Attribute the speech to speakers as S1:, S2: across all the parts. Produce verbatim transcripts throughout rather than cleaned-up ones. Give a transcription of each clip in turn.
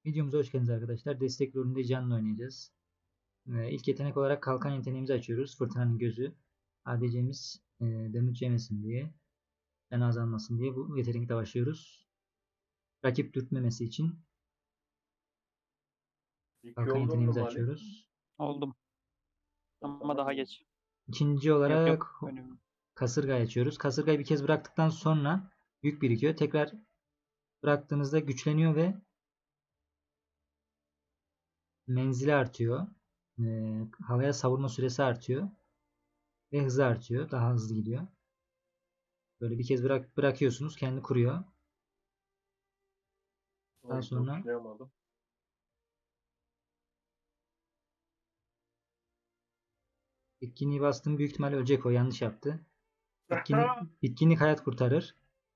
S1: Videomuza hoş geldiniz arkadaşlar. Destek rolünde canlı oynayacağız. Ee, ilk yetenek olarak kalkan yeteneğimizi açıyoruz. Fırtınanın gözü. A D C'miz e, damage yemesin diye, can azalmasın diye bu yetenekle başlıyoruz. Rakip dürtmemesi için
S2: İki
S1: kalkan
S2: oldun mu
S1: yeteneğimizi
S2: Mali?
S1: açıyoruz.
S3: Oldum.
S2: O
S3: Ama
S2: zaman
S3: daha
S2: iyi.
S3: geç.
S1: İkinci
S3: Yok
S1: olarak
S3: yok. Önüm.
S1: kasırgayı açıyoruz. Kasırgayı bir kez bıraktıktan sonra yük birikiyor. Tekrar bıraktığınızda güçleniyor ve menzili artıyor. Ee, havaya savurma süresi artıyor. Ve hızı artıyor. Daha hızlı gidiyor. Böyle bir kez bırak bırakıyorsunuz. Kendi kuruyor. Daha
S2: Oy,
S1: sonra
S2: toplayamadım.
S1: bitkinliği bastım. Büyük ihtimalle ölecek o. Yanlış yaptı. Bitkinlik, bitkinlik hayat kurtarır.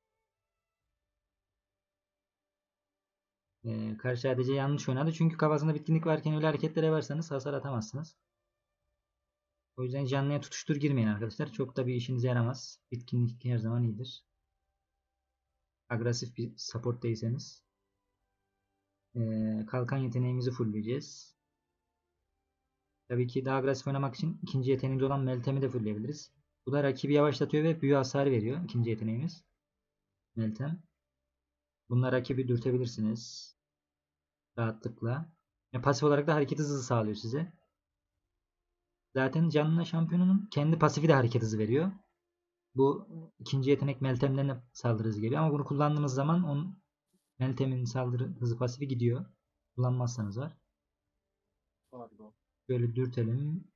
S1: Ee, karşı A D C yanlış oynadı. Çünkü kafasında bitkinlik varken öyle hareketlere varsanız hasar atamazsınız. O yüzden canlıya tutuştur girmeyin arkadaşlar. Çok da bir işinize yaramaz. Bitkinlik her zaman iyidir. Agresif bir support değilseniz. Ee, kalkan yeteneğimizi fullleyeceğiz. Tabii ki daha agresif oynamak için ikinci yeteneğimiz olan Meltem'i de fullleyebiliriz. Bu da rakibi yavaşlatıyor ve büyü hasarı veriyor. İkinci yeteneğimiz. Meltem. Bununla rakibi dürtebilirsiniz. Rahatlıkla. Ya pasif olarak da hareket hızı sağlıyor size. Zaten canlı şampiyonunun kendi pasifi de hareket hızı veriyor. Bu ikinci yetenek Meltem'den de saldırı hızı geliyor. Ama bunu kullandığınız zaman onun Meltem'in saldırı hızı pasifi gidiyor. Kullanmazsanız var.
S2: Pardon.
S1: Böyle dürtelim.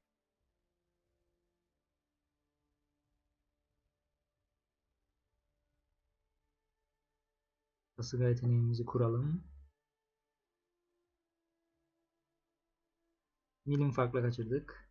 S1: Kasıga yeteneğimizi kuralım. Milim farkla kaçırdık.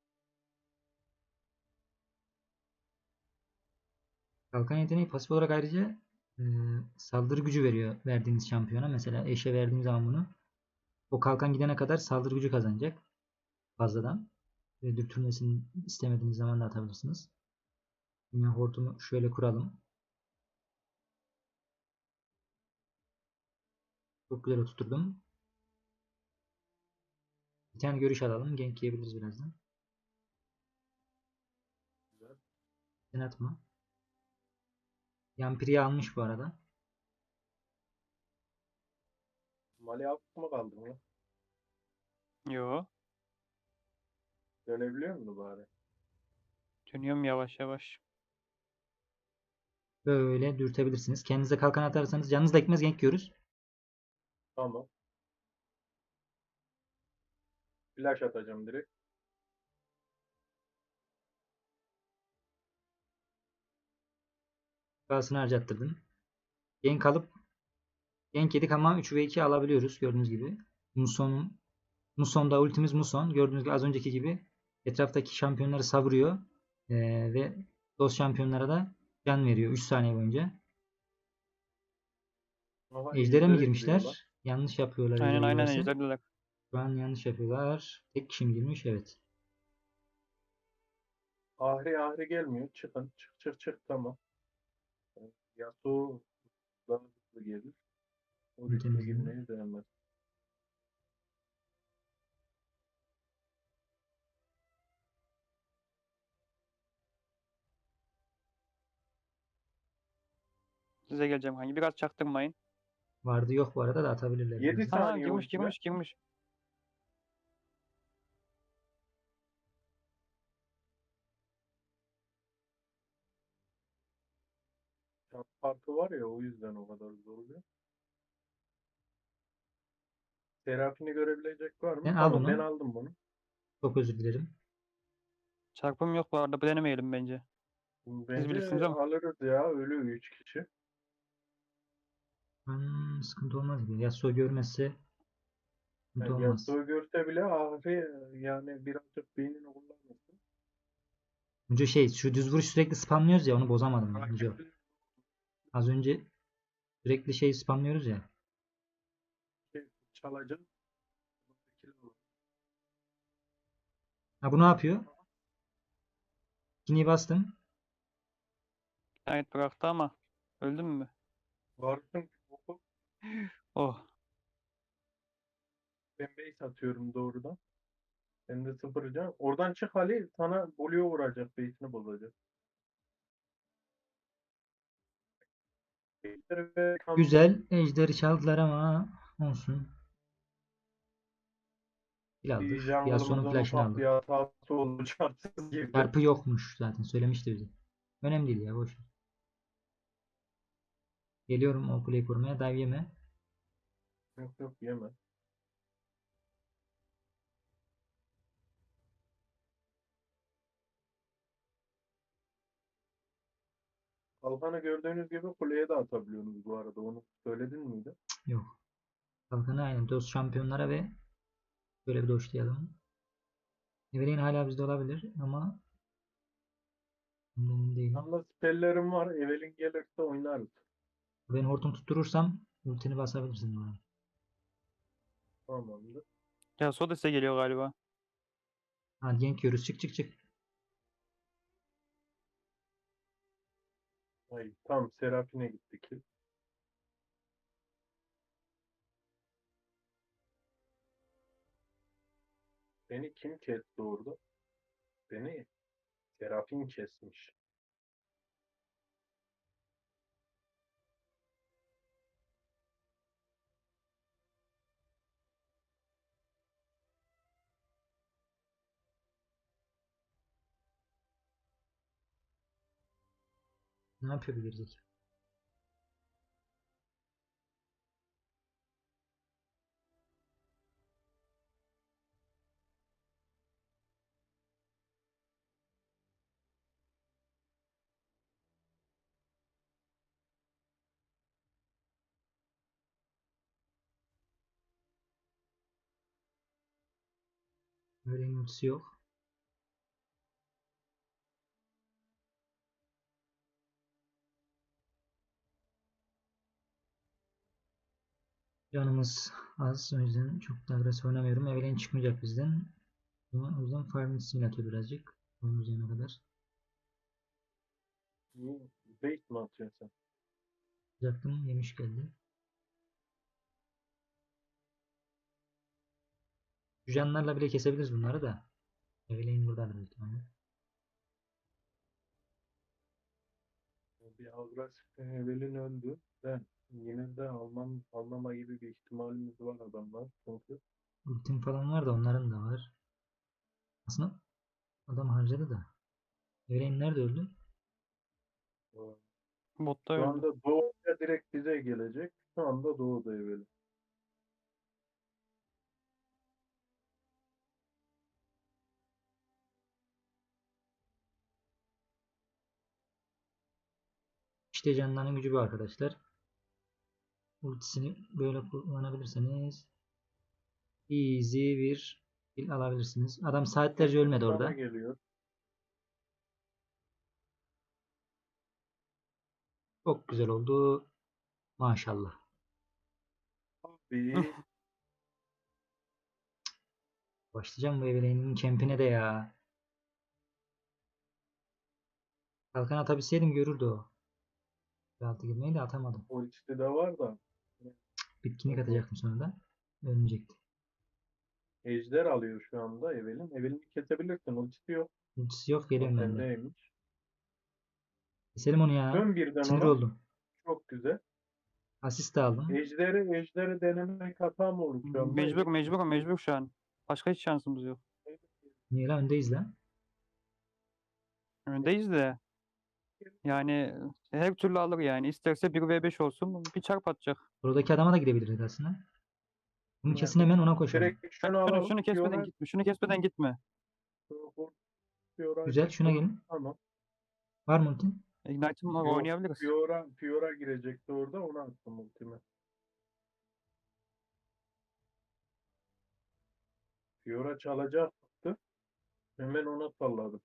S1: Kalkan yeteneği pasif olarak ayrıca e, saldırı gücü veriyor verdiğiniz şampiyona. Mesela eşe verdiğim zaman bunu o kalkan gidene kadar saldırı gücü kazanacak fazladan. Ve dürtülmesini istemediğiniz zaman da atabilirsiniz. Yine hortumu şöyle kuralım. Çok güzel oturturdum. Bir tane görüş alalım. Gank yiyebiliriz birazdan.
S2: Güzel.
S1: Sen atma. Yampiri'yi almış bu arada.
S2: Mali alt mı kaldı mı?
S3: Yo.
S2: Dönebiliyor musun bari?
S3: Dönüyorum yavaş yavaş.
S1: Böyle dürtebilirsiniz. Kendinize kalkan atarsanız canınız da gitmez, gank yiyoruz.
S2: Tamam. Flash atacağım direkt.
S1: Şifasını harcattırdım. Gank alıp gank yedik ama üç ve iki alabiliyoruz gördüğünüz gibi. Muson'un Muson'da ultimiz Muson. Gördüğünüz gibi az önceki gibi etraftaki şampiyonları savuruyor. Ee, ve dost şampiyonlara da can veriyor üç saniye boyunca.
S2: Aha
S1: Ejder'e mi
S2: ejdere giriyorlar.
S1: girmişler? Yanlış yapıyorlar
S3: Aynen
S1: Ejder'e
S3: aynen
S1: girerse.
S3: ejderdiler.
S1: Şu an yanlış yapıyorlar. Tek kişi mi girmiş? Evet.
S2: Ahri ahri gelmiyor. Çıkın. Çık çık çık tamam. Yasuo daha hızlı gelir. O
S1: Bunu
S2: riske
S1: temizledim.
S2: girmeyi beğenmez.
S3: Size geleceğim hangi. Biraz çaktırmayın.
S1: Vardı yok bu arada da atabilirler
S2: yedi
S1: birazdan.
S3: Aa
S2: saniye
S3: girmiş
S2: ultiler.
S3: girmiş girmiş.
S2: Can farkı var ya o yüzden o kadar zor oluyor. Serafini görebilecek var mı?
S1: Sen al
S2: Tamam ben
S1: bunu.
S2: aldım bunu.
S1: Çok özür dilerim.
S3: Çarpım yok bu arada. Bu denemeyelim bence. Siz bilirsiniz
S2: Bence
S3: ama.
S2: alırız ya. Ölü üç kişi.
S1: Hmm, sıkıntı olmaz gibi. Yasuo görmezse sıkıntı
S2: Yani
S1: olmaz.
S2: Yasuo görse bile Ahri yani birazcık beynini kullanmasın.
S1: Önce şey şu düz vuruş sürekli spamlıyoruz ya onu bozamadım ben. Önce
S2: Rakipleri
S1: az önce sürekli şey spamlıyoruz ya.
S2: şey çalacak.
S1: Ha bu ne yapıyor? İkinciyi bastım.
S3: Evet bıraktı ama. Öldün mü?
S2: Varsın oku.
S3: Oh.
S2: Ben base atıyorum doğrudan. Ben de sıfır can. Oradan çık Ali. Sana Blue vuracak. Base'ini bozacak. Base'leri ve kamp
S1: Güzel. Ejderi çaldılar ama olsun. Kill
S2: bir
S1: aldık. Yasuo'nun
S2: jungle'ımızın
S1: flash'ını
S2: ufak bir
S1: aldık.
S2: hatası oldu. Çarpsız girdi.
S1: Çarpı yokmuş zaten. Söylemişti bize. Önemli değil ya. Boş ver. Geliyorum o kuleyi korumaya. Dive yeme.
S2: Yok yok yeme. Kalkanı gördüğünüz gibi kuleye de atabiliyorsunuz bu arada. Onu söyledin miydi?
S1: Yok. Kalkanı aynen. Dost şampiyonlara ve böyle bir doşlayalım. Evelyn hala bizde olabilir ama emin değilim.
S2: Yalnız spellerim var. Evelyn gelirse oynarız.
S1: Ben hortum tutturursam ultini basabilirsin bana.
S2: Tamamdır.
S3: Ya Soda size geliyor galiba.
S1: Hadi gank yiyoruz. Çık çık çık.
S2: Ay, tam Serafine gittik. Beni kim kesti orada? Beni Serafin kesmiş.
S1: Ne yapıyor bu gerizekalı? Öyle ultisi yok. Canımız az. O yüzden çok da agresif oynamıyorum. Evelyn çıkmayacak bizden. O yüzden Farming Simulator birazcık. Onun üzerine kadar.
S2: Bu bait mi atıyorsun sen?
S1: Yapacaktım. Yemiş geldi. Jujanlarla bile kesebiliriz bunları da. Evelyn buradan büyük ihtimalle.
S2: Bir agresif Evelyn öldü. Ben yine de almam, almama gibi bir ihtimalimiz var adamlar. Çünkü
S1: Ultim falan var da onların da var. Aslında adam harcadı da. Evelyn nerede öldü?
S2: e,
S3: Botta
S2: şu
S3: öldü.
S2: anda Doğu'ya direkt bize gelecek. Şu anda Doğu'da Evelyn.
S1: İşte canların gücü bu arkadaşlar. Ultisini böyle kullanabilirseniz easy bir kill alabilirsiniz. Adam saatlerce ölmedi
S2: Bana
S1: orada.
S2: geliyor.
S1: Çok güzel oldu. Maşallah.
S2: Abi
S1: Başlayacağım bu Evelyn'in kempine de ya. Kalkan atabilseydim görürdü o. Altı girmeyi de atamadım.
S2: ultisi de var da.
S1: Bitkinlik atacaktım sonra da. Ölmeyecekti.
S2: Ejder alıyor şu anda Evelyn. Evelyn'i kesebilirsin. Ultisi yok.
S1: Ultisi yok
S2: O
S1: geliyorum ben de.
S2: sendeymiş.
S1: Keselim onu ya.
S2: Dön birden
S1: Sinir
S2: ona.
S1: oldum.
S2: Çok güzel.
S1: Asist de aldım.
S2: Ejderi, ejderi denemek hata mı olur şu anda?
S3: Mecbur mecbur mecbur şu an. Başka hiç şansımız yok.
S1: Niye lan öndeyiz lan?
S3: Öndeyiz de. Yani her türlü alır yani. İsterse bir ve beş olsun. Bir çarp atacak.
S1: Buradaki adama da gidebilirdik aslında. Bunu
S2: Yani
S1: kesin hemen ona koşalım.
S2: direkt
S3: Bak,
S2: şunu
S3: Şunu,
S2: alalım.
S3: şunu kesmeden
S2: Fiora,
S3: gitme. Şunu kesmeden gitme.
S2: Fiora,
S1: Güzel şuna gelin.
S2: Tamam.
S1: Var mı ultin?
S3: Ignite'ım var,
S2: Yok.
S3: oynayabiliriz.
S2: Fiora, Fiora girecekti orada. Onu attım ultime. Fiora çalacaktı. Hemen ona salladım.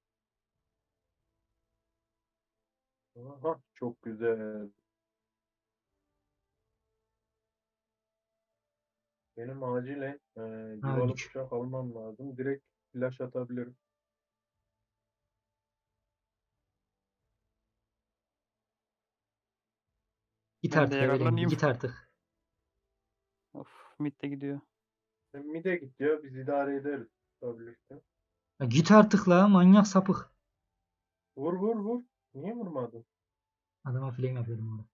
S2: Aha, çok güzel. Benim acilen e,
S1: Ha,
S2: yuvalı
S1: öldük.
S2: bıçak almam lazım. Direkt flash atabilirim.
S1: Git
S3: Ben de
S1: artık Evelyn.
S3: yararlanayım.
S1: Git artık.
S3: Of, mid de gidiyor.
S2: Sen mide git ya, biz idare ederiz. Birlikte.
S1: Ya git artık la manyak sapık.
S2: Vur vur vur. Niye vurmadın?
S1: Adama flame yapıyordum orada.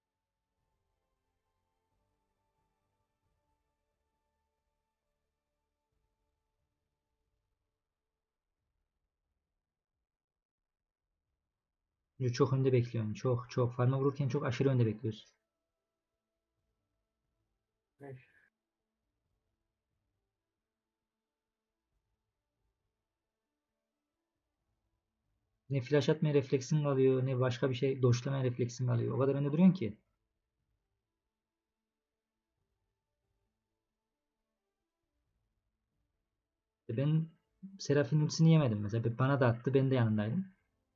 S1: Yo, çok önde bekliyorsun. Çok çok. Farma vururken çok aşırı önde bekliyorsun.
S2: Neyse.
S1: Ne flash atmaya refleksin kalıyor, ne başka bir şey doşlamaya refleksin kalıyor. O kadar önde duruyorsun ki. E Ben Seraph'in ultisini yemedim mesela. Bana da attı, ben de yanındaydım.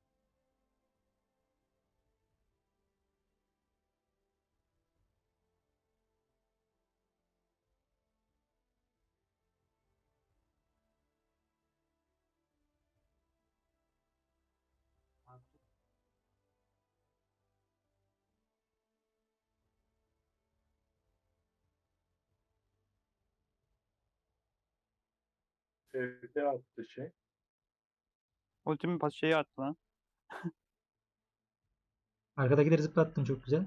S2: Evde attı şey.
S3: Ultimin pas şeyi attı lan.
S1: Arkadakileri zıplattın çok güzel.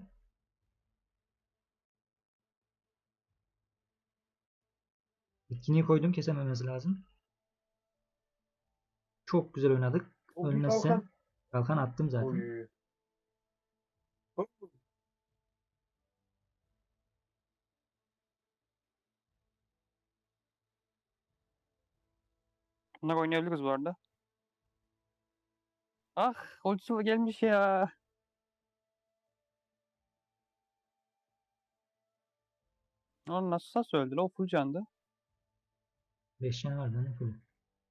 S1: Bitkinliği koydum, kesememesi lazım. Çok güzel oynadık.
S2: O bir
S1: Ölmezsen
S2: kalkan.
S1: kalkan attım zaten.
S2: Oy. Hop.
S3: Bunlar oynayabiliriz bu arada. Ah, ultisi gelmiş ya. Lan nasıl nasıl öldü lan? O full candı.
S1: beş tane vardı hani full.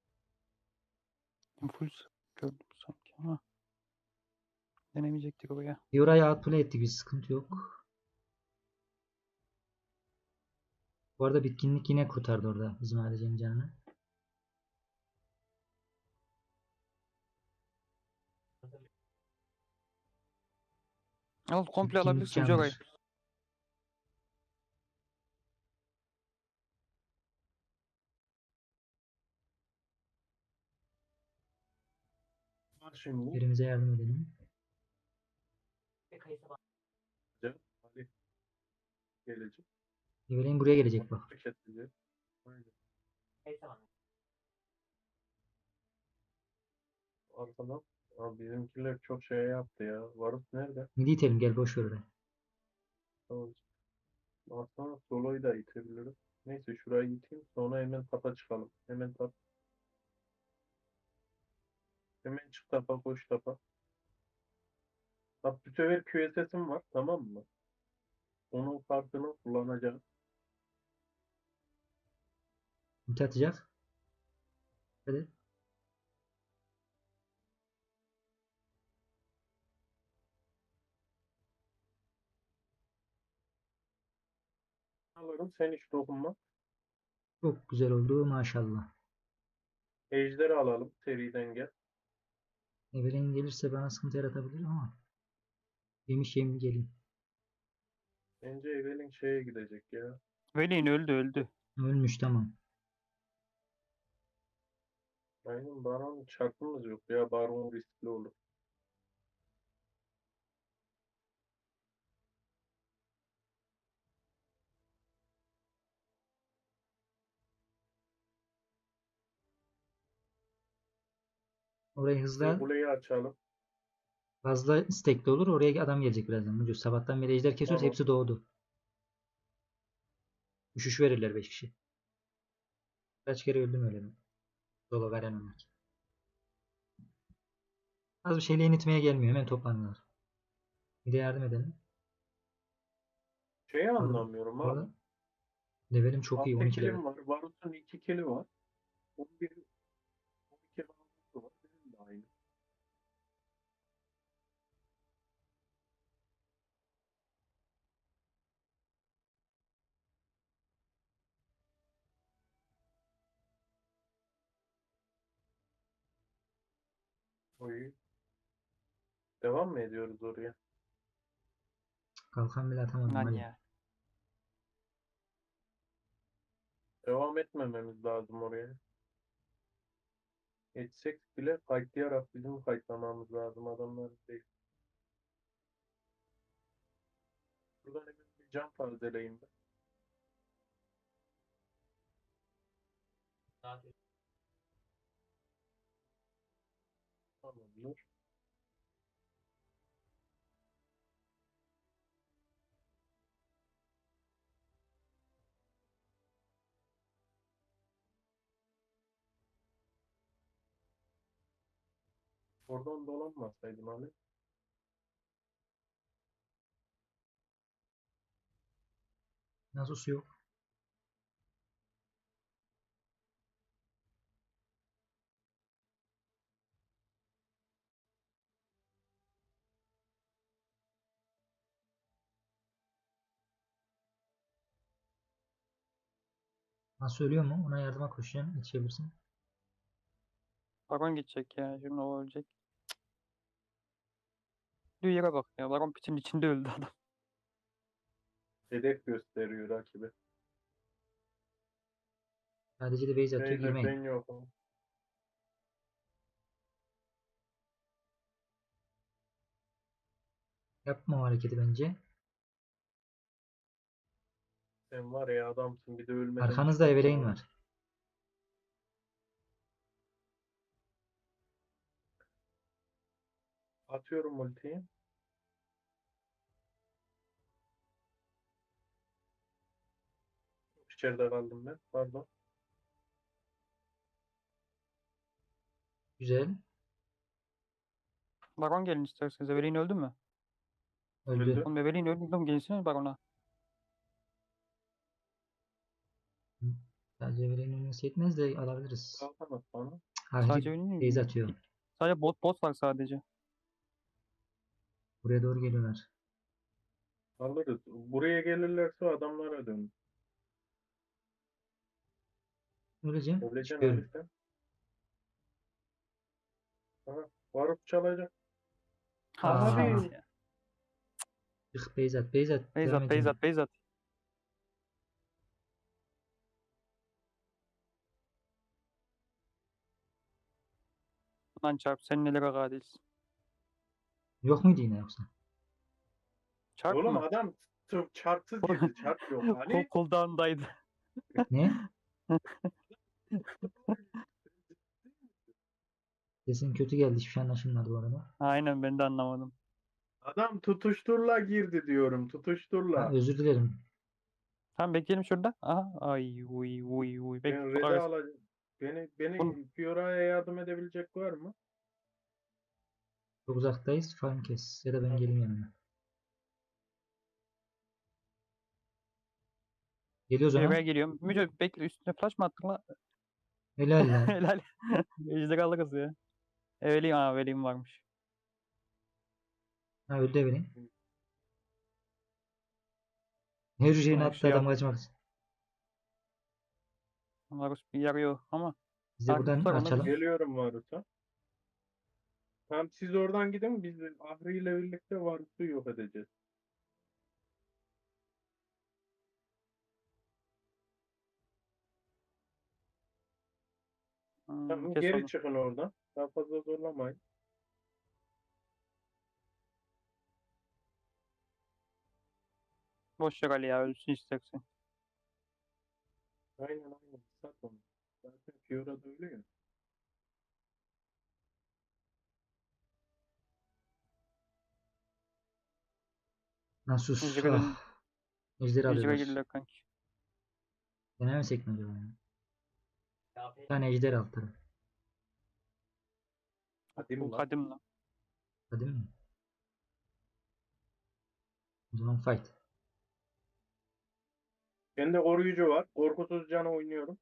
S3: Full gördüm sanki ama denemeyecektik oraya.
S1: Yora'yı outplay ettik, bir sıkıntı yok. Bu arada bitkinlik yine kurtardı orada bizim ADC'nin canını.
S3: Al komple
S1: Bitkinlik
S3: alabilirsin Joray.
S1: candır.
S2: Var şimdi.
S1: Birimize yardım edelim.
S2: Can, hadi. Gelecek.
S1: Evelyn buraya gelecek bak.
S2: Hareketlice. Aynen. Arkadan. Abi bizimkiler çok şey yaptı ya. Varus nerede?
S1: Midi itelim, gel boş ver orayı.
S2: Tamam. Aslında soloyu da itebilirim. Neyse şurayı iteyim. Sonra hemen tapa çıkalım. Hemen tap. Hemen çık tapa, koş tapa. Bak bu sefer Q S S'im var. Tamam mı? Onun kartını kullanacağım.
S1: Ulti atacak. Hadi.
S2: Alırım. Sen hiç dokunma.
S1: Çok güzel oldu maşallah.
S2: Ejderi alalım. Seriden gel.
S1: Evelyn gelirse bana sıkıntı yaratabilir ama. Yemiş yemin geleyim.
S2: Bence Evelyn şeye gidecek ya.
S3: Veli'nin öldü öldü.
S1: Ölmüş tamam.
S2: Aynen Baron çarpımız yok ya. Baron riskli olur.
S1: Orayı
S2: Size
S1: hızla
S2: kuleyi açalım.
S1: fazla istekli olur. Oraya adam gelecek birazdan. Mucuz. Sabahtan beri ejder kesiyoruz.
S2: Tamam.
S1: Hepsi doğdu. Üşüş verirler beş kişi. Kaç kere öldüm öyle mi? Dolu veren onlar. Az bir şeyle initmeye gelmiyor. Hemen toplanıyorlar. Bir de yardım edelim.
S2: Şeyi
S1: Orada,
S2: anlamıyorum abi.
S1: orada levelim çok iyi. on
S2: Altta
S1: iki level.
S2: kilim var. Varus'un iki kili var. on bir, on iki Varus'u var. Benim de aynı. Oy. Devam mı ediyoruz oraya?
S1: Kalkan bile atamadım.
S3: Lan
S1: Hadi.
S3: ya.
S2: Devam etmememiz lazım oraya. Etsek bile kayıtlayarak bizim kayıtlamamız lazım adamların değil. Buradan hemen bir cam tazeleyeyim ben. Tamamdır. Oradan dolanmasaydım hani.
S1: Nasıl su yok? Nasıl ölüyor mu? Ona yardıma koşacağım. Yetişebilirsin.
S3: Baron gidecek ya. Şimdi o ölecek. Bir yere bak ya. Baron pitin içinde öldü adam.
S2: Hedef gösteriyor rakibi.
S1: Sadece de base atıyor.
S2: Beyler
S1: Girmeyin.
S2: ben yokum.
S1: Yapma o hareketi bence.
S2: Sen var ya adamsın bir de ölmeden
S1: Arkanızda
S2: çıkartma
S1: Evereyn
S2: onu.
S1: var.
S2: Atıyorum ultiyi. İçeride kaldım ben. Pardon.
S1: Güzel.
S3: Baron gelin isterseniz. Evelyn öldü mü?
S1: Öldü.
S2: Öldü.
S3: Oğlum Evelyn öldü mü? Gelsene Baron'a.
S1: Sadece Evereyn'in ölmesi yetmez de alabiliriz.
S2: Kalkamaz bana.
S3: Sadece
S1: Hareket
S3: Evelyn
S1: base
S3: mi?
S1: atıyor.
S3: Sadece bot bot var sadece.
S1: Buraya doğru geliyorlar.
S2: Alırız. Buraya gelirlerse adamlara dön.
S1: Öleceğim.
S2: Öleceksin
S1: Çıkıyorum.
S2: Ali sen. Aha. Varıp çalacak.
S1: Aa.
S2: Abi.
S3: Ya.
S1: Çık base at. Base at.
S3: Beyzat,
S1: Devam edin.
S3: Beyzat, Beyzat. Lan çarp sen nelere kadirsin.
S1: Yok muydu yine yoksa?
S3: Çarp
S2: Oğlum
S3: mı?
S2: adam t- çarpsız girdi. Çarp yok.
S3: Kol
S2: Ali.
S3: cooldown'daydı.
S1: Ne? Sesin kötü geldi. Hiçbir şey anlaşılmadı bu arada.
S3: Aynen ben de anlamadım.
S2: Adam tutuşturla girdi diyorum.
S1: Ha,
S2: Tutuşturla.
S1: özür dilerim.
S3: Tamam bekleyelim şurada. Aha. Ay uy uy uy. Bek
S2: Ben Red'i alacağım. Beni, beni Fiora'ya yardım edebilecek var mı?
S1: Çok uzaktayız. Farm kes. Ya da ben geleyim yanına. Geliyoruz
S3: Buraya
S1: ona.
S3: geliyorum. Müce bekle üstüne flash mı attın la?
S1: Helal lan.
S3: Helal. Ejder alırız ya. Evelyn, aa Evelyn varmış.
S1: Ha öldü Evereyn. Her şeyini
S3: Sonra
S1: attı
S3: şey
S1: adam
S3: yap.
S1: kaçmak için.
S3: Varus bir yarıyor ama.
S1: Biz de
S3: Takip
S1: buradan
S3: tutar onu
S1: açalım.
S3: biz.
S2: Geliyorum Varus'a. Tamam siz oradan gidin. Biz Ahri ile birlikte Varus'u yok edeceğiz.
S3: Hmm,
S2: Tamam
S3: kes
S2: geri
S3: onu.
S2: çıkın oradan. Daha fazla zorlamayın.
S3: Boş ver Ali ya ölsün istersen.
S2: Aynen aynen. Sat onu. Zaten Fiora da öyle ya.
S1: Nasus.
S3: Ejder'e dön.
S1: Ah. Ejderi
S3: Ejder'e
S1: alıyorlar.
S3: girdiler kanki.
S1: Denemesek mi acaba ya? Bir tane ejder alt taraf.
S2: Hadi
S3: Bu
S2: mi lan?
S3: kadim lan.
S1: Hadi mi? O zaman fight.
S2: Bende koruyucu var. Korkusuz cana oynuyorum.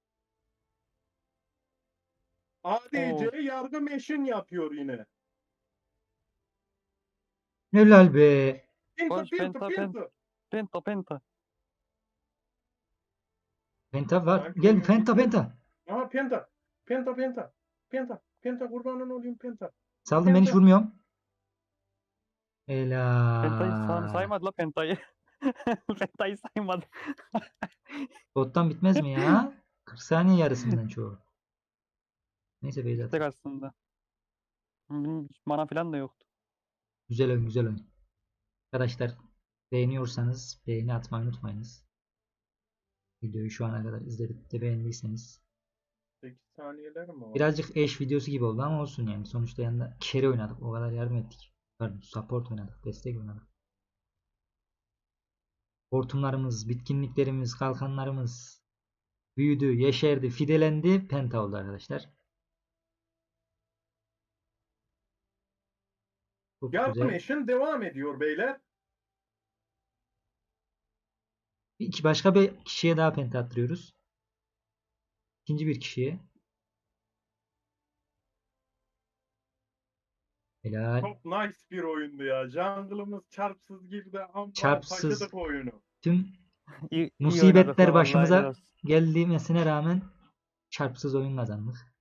S2: A D C
S3: Oo.
S2: yargı meşin yapıyor yine.
S1: Helal be.
S2: Pinto
S3: Koş
S2: pinto
S3: penta penta.
S2: pinto.
S3: Penta penta.
S1: Penta var.
S2: Sanki
S1: Gel
S2: oyun
S1: penta
S2: bitti.
S1: penta.
S2: Aha penta. Penta penta. Penta. Penta kurbanın olayım penta.
S1: Saldım ben hiç
S2: Penta.
S1: vurmuyorum.
S3: Pentayı say
S1: Helal.
S3: saymadı la pentayı. Pentayı saymadı.
S1: Bottan bitmez mi ya? kırk saniye yarısından çoğu. Neyse Beyzat.
S3: İstek aslında. Hı, hiç mana falan da yoktu.
S1: Güzel oyun, güzel oyun. Arkadaşlar beğeniyorsanız beğeni atmayı unutmayınız. Videoyu şu ana kadar izledip de beğendiyseniz.
S2: sekiz saniyeler mi var?
S1: Birazcık eş videosu gibi oldu ama olsun yani. Sonuçta yanında carry oynadık. O kadar yardım ettik. Pardon, support oynadık. Destek oynadık. Hortumlarımız, bitkinliklerimiz, kalkanlarımız büyüdü, yeşerdi, fidelendi. Penta oldu arkadaşlar. Çok
S2: Yardım
S1: güzel.
S2: eşin devam ediyor beyler.
S1: İki başka bir kişiye daha penta attırıyoruz. İkinci bir kişiye. Helal.
S2: Çok nice bir oyundu ya. Jungle'ımız çarpsız girdi ama
S1: Çarpsız.
S2: taşıdık oyunu.
S1: Tüm
S3: İyi, iyi oynadık
S1: musibetler
S3: la, vallahi helal
S1: başımıza
S3: olsun.
S1: geldiğine rağmen çarpsız oyun kazandık.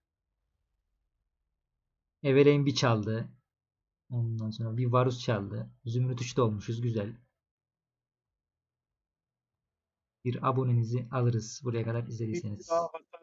S1: Evereyn bir çaldı. Ondan sonra bir Varus çaldı. Zümrüt üçte olmuşuz. Güzel. Bir abonenizi alırız buraya kadar
S2: Bir
S1: izlediyseniz.
S2: daha hasar